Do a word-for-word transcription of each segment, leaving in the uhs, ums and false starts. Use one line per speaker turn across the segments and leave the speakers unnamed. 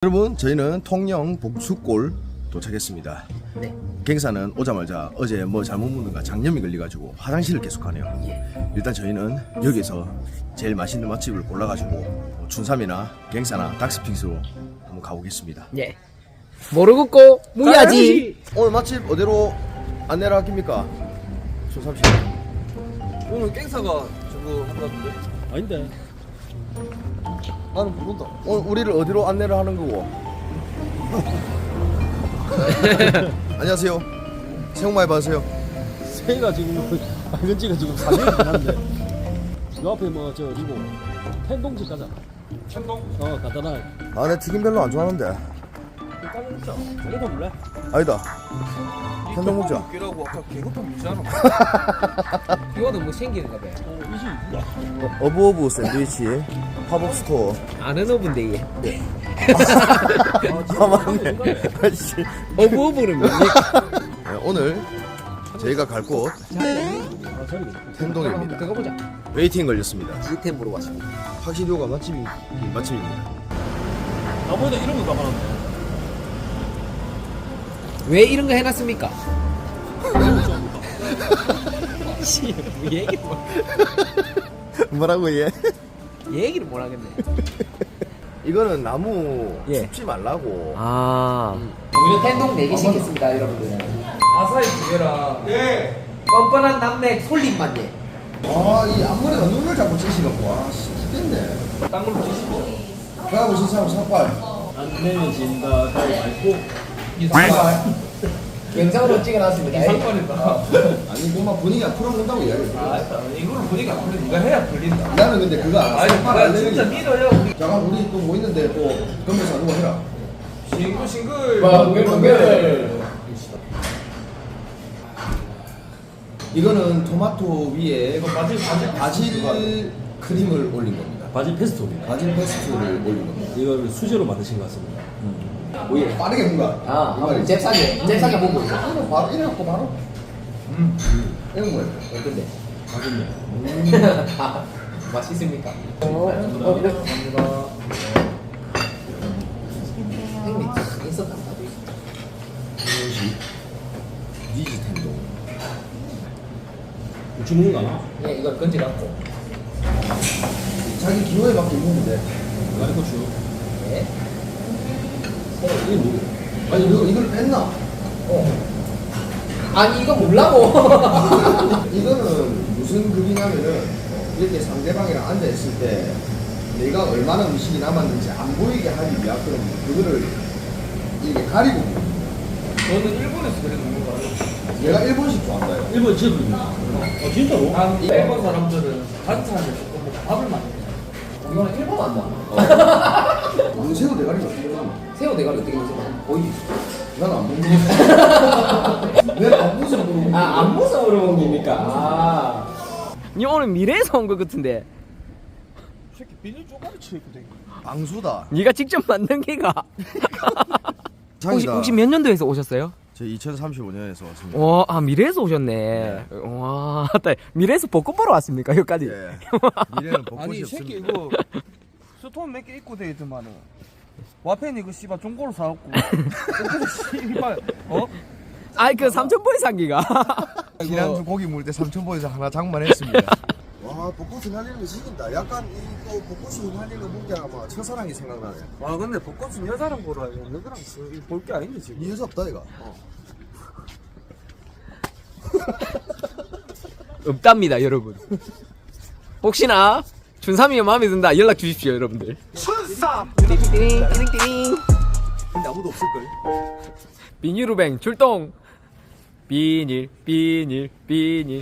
여러분, 저희는 통영 복수골 도착했습니다.
네.
갱사는 오자마자 어제 뭐 잘못 먹는가 장염이 걸려가지고 화장실을 계속하네요.
예.
일단 저희는 여기서 제일 맛있는 맛집을 골라가지고 뭐 춘삼이나 갱사나 닥스핑스로 한번 가보겠습니다.
예. 모르겠고 무야지.
오늘 맛집 어디로 안내를 하십니까? 춘삼씨.
오늘 깽사가 저거 한다던데?
아닌데.
나는 모른다.
오늘 우리를 어디로 안내를 하는 거고? 안녕하세요. 새해 복 많이 받으세요.
새가 지금 빨간지가 지금 사진이 한데. 요 앞에 뭐 저 그리고 텐동집 가자.
천동?
어 간단하게.
아, 내 튀김 별로 안 좋아하는데.
일단은 진짜 저거 몰래.
아니다. 천동 먹자.
웃기라고 아까 개급한 무시하노?
이거는 뭐 생기는가 봐.
어 이시.
어, 어브어브 샌드위치 팝업 스토어.
아는 어분데 얘.
아, 맞네. 아씨.
어부어부는 뭡니까?
네, 오늘 저희가 갈 곳
아 저리겠다.
텐동입니다.
들어가보자.
웨이팅 걸렸습니다.
이템 보러 왔습니다.
확실히 요가 맛집이 맛집입니다.
나보다 이런 거 가만한데.
왜 이런 거 해놨습니까? 씨, 뭐 얘기를 뭐,
뭐라고 얘?
얘기를 못 하겠네.
이거는 나무
예.
춥지 말라고.
아, 우리 텐동 네 개 시켰습니다, 여러분들.
아사히 두 개랑. 예!
뻔뻔한 남맥 솔잎만 예.
아, 이 앞머리가 눈을 자꾸 찌시갖고 와, 씨, 죽겠네.
딴 걸로 드시고.
가고 싶은 사람 삭발.
안 내면 진다. 가위바위보.
영상으로 찍어놨습니다.
상관이다.
아니, 그만 분위기가 풀어본다고 이야기해.
아, 이거를 보니까 안 풀려. 네가 해야 풀린다.
나는 근데 그거 안
아니,
삭발
나
안
진짜
되는
믿어요. 우리.
잠깐 우리 또 뭐 있는데 또 건배사 누가 해라.
싱글 싱글.
벙글벙글.
이거는 토마토 위에
이거 바질 바질
바질 크림을 올린 겁니다.
바질 페스토입니다.
바질 페스토를 올린 겁니다.
이걸 수제로 만드신 것 같습니다.
오예 빠르게 뭔가.
아, 한번 잽싸게, 잽싸게 보고 있어.
바로 이래갖고 바로.
음.
이런 거예요.
어떤데?
맛있네.
아, 맛있습니까?
감사합니다.
형님, 있었나 봐.
이것이 니지 텐동.
주문은 가나?
예, 이걸 건지갖고.
자기 기호에 맞게 입으면 돼.
가리고추.
예.
이게 뭐?
아니 이거 이걸 뺐나?
어. 아니, 이거 몰라고.
이거는 무슨 극이냐면은 이렇게 상대방이랑 앉아 있을 때 내가 얼마나 음식이 남았는지 안 보이게 하기 위한 그런 그거를 이렇게 가리고
저는 일본에서 그래 먹는 거 알아요.
얘가 일본식 좋아한다요.
일본 제품입니다. 어 진짜로?
난 일본 사람들은 반찬을 조금 먹고 밥을 많이 먹어.
이거는 일본 한다.
무슨 새우 대가리가 어떻게 먹나?
새우 대가리 어떻게 먹지? 보이지?
난안 먹는 내가 안 먹어서 모르고
아, 앞모습으로 먹습니까? 아. 니 오늘 미래에서 온 것 같은데.
이 새끼 비닐 쪼가리 쳐있거든.
방수다.
니가 직접 만든 게가. 혹시, 혹시 몇 년도에서 오셨어요?
저 이천삼십오 년에서 왔습니다.
와, 아, 미래에서 오셨네. 와, 따- 미래에서 벚꽃 보러 왔습니까? 여기까지.
예. 미래는 벚꽃이
아니 이 새끼
없습니다.
이거 스톤 몇 개 입고 되있더만은 와펜 이거 씨발 중고로 사갖고 씨발 어?
아이, 그 삼천포의 상기가.
지난주 고기 물 때 삼천포에서 하나 장만했습니다. 와, 벚꽃이 날리는 거 지긴다. 약간 이거 벚꽃이 날리는 거 보니까 아마 첫사랑이 생각나네.
와 근데 벚꽃은 여자랑 보러 와야 여자랑 볼 게 아닌데 지금.
이 여자 없다 이가.
없답니다, 여러분. 혹시나 준삼이가 마음에 든다 연락 주십시오, 여러분들.
춘삼!
띠링 띠링 띠링.
근데 아무도 없을걸?
비닐우뱅 출동. 비닐 비닐 비닐.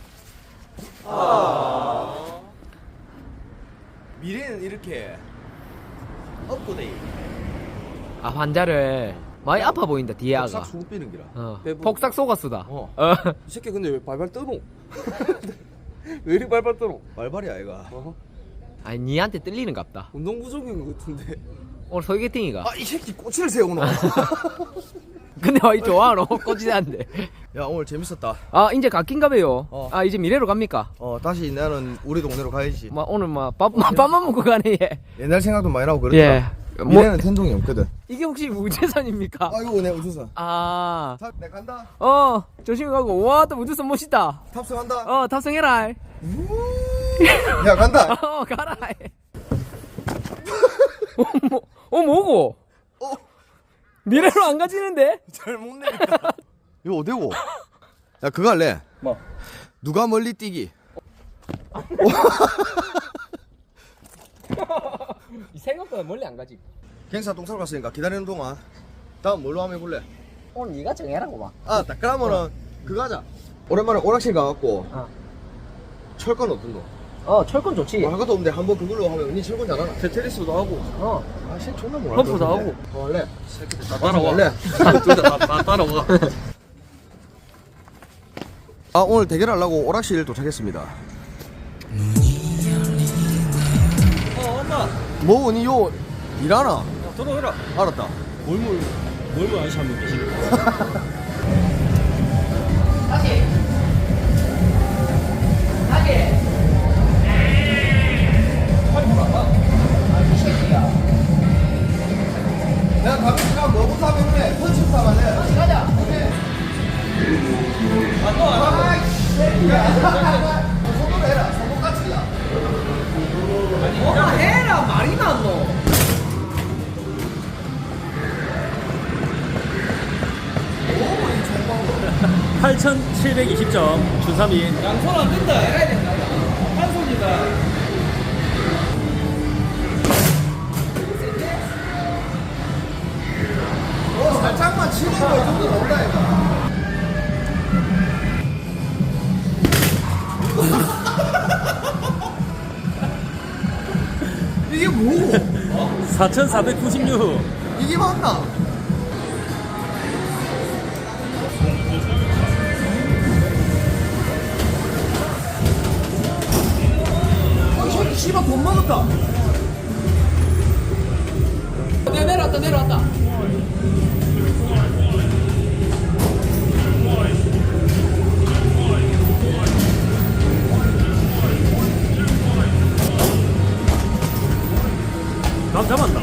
미래는 이렇게 업고데이.
아, 환자를 많이 아파 보인다, 뒤에 아가.
싹 숨 빼는 기라.
어.
배부-
폭삭 속았수다.
어.
어.
이 새끼 근데 왜 발발 떠노? 왜 이리 발발 떠노?
말발이야 얘가.
어?
아니, 니한테 뜰리는 갑다.
운동 부족인 것 같은데.
오늘 소개팅이가.
아, 이 새끼 꼬치를 세우노.
근데 와, 이 좋아하노? 꼬지한데.
야, 오늘 재밌었다.
아, 이제 갓긴가 봐요.
어.
아, 이제 미래로 갑니까?
어, 다시 나는 우리 동네로 가야지.
막 오늘 막 밥, 막 밥만 먹고 가네, 얘.
옛날 생각도 많이 나고 그렇다.
예.
미래는 텐동이 없거든.
이게 혹시 우주선입니까?
아 이거 내 우주선.
아,
자, 내 간다.
어, 조심히 가고. 와, 또 우주선 멋있다.
탑승한다.
어, 탑승해라.
야 간다.
어, 가라. 어, 뭐, 어, 뭐고?
어.
미래로 안 가지는데?
잘못 내니까. 이거 어디고? 야 그거 할래?
뭐?
누가 멀리 뛰기.
생각보다 멀리 안 가지.
갱사 똥 싸러 갔으니까 기다리는 동안 다음 뭘로 한번 해볼래?
오늘 네가 정해라고 봐.
아, 딱 그러면은 그거 하자. 오랜만에 오락실 가갖고
어.
철권 어떤 거?
어, 철권 좋지.
뭐 할 것도 없는데 한번 그걸로 하면 언니 철권 잘하나?
테트리스도 하고
어.
아, 신 존나 뭐
펌프도 하고.
어, 할래?
새끼들 다
따라와. 할래?
둘다 다 따라와.
아, 오늘 대결하려고 오락실 도착했습니다.
어 엄마
뭐 언니 요 일하나?
들어오라.
알았다.
몰몰 몰몰 아저씨 한 명 계시네.
내가 가끔씩 뭐부터 하면 그래? 펀치부터 하면 돼. 펀치 가자. 오케이. 아, 또 아, 야, 손으로 해라. 손목같이 야.
뭐가 해라, 말이 많노.
팔천칠백이십 점 준삼이.
양손 안 된다. 해야 된다. 한 손이다.
어, 살짝만 치는 거 이 정도 나온다, 이거. 이게 뭐고?
사천사백구십육.
이게 맞나? 어, 이 새끼 씨발 돈 먹었다.
내가 내려왔다, 내려왔다.
감 잡았나?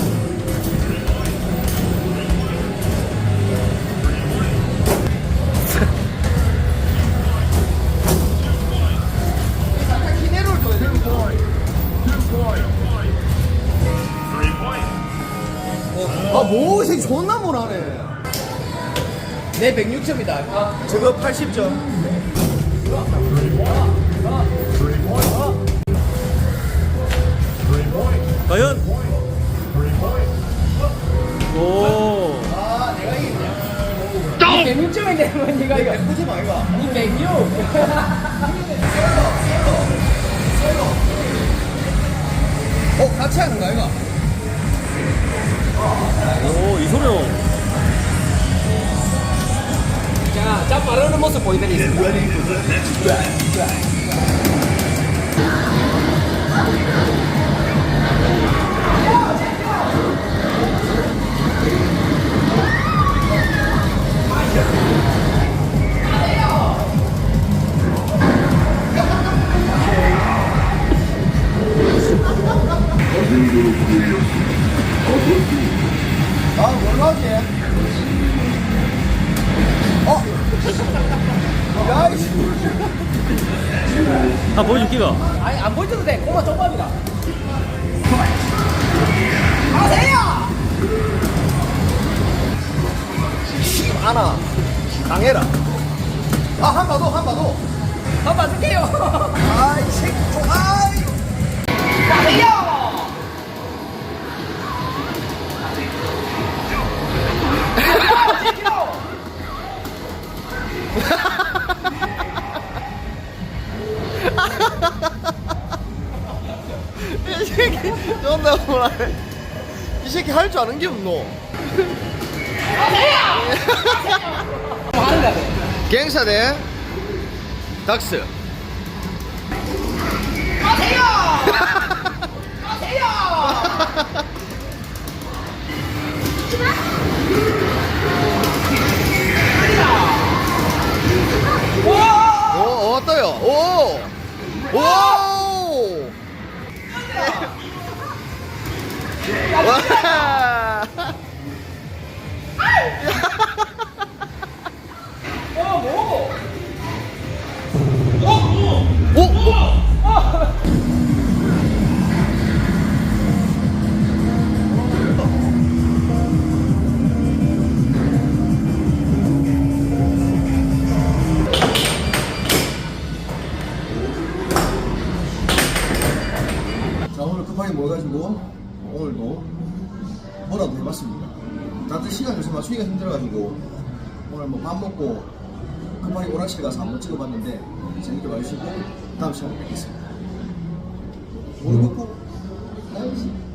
잠깐 기내를 줘야 돼. 아, 뭐, 이 새끼 존나 못하네.
내 백육 점이다.
저거 팔십 점.
과연? 오.
아, 내가 이겼네.
이 백육 점인데, 뭐, 니가 이거.
예쁘지 마, 이거.
이 백육.
어, 같이 하는 거야, 이거?
오, 이소룡.
자, 자, 빠르는 모습 보여드리겠습니다.
아, 뭘로 하지? 어? 야, 이씨.
아, 보여줄기가.
아니, 안 보여줘도 돼. 꼬마 쪽밥이다. 하세요!
하나. 강해라. 아, 한 번 더, 한 번 더.
한 봐줄게요.
아이, 새끼, 좀, 아이.
하세요!
이 새끼, 존나 뭐라해. 이 새끼 할 줄 아는 게 없노.
뭐 하는 거야?
갱사 대 닥스.
하세요! 하세요!
오, 어떠요? 오! 오! 와! 오늘 급하게 모여가지고 오늘도 뭐라도 해봤습니다. 다들 시간 요새 맞추기가 힘들어가지고 오늘 뭐 밥 먹고 급하게 오락실 가서 한번 찍어봤는데 재밌게 봐주시고 다음 시간에 뵙겠습니다. 오늘 먹고 나이스.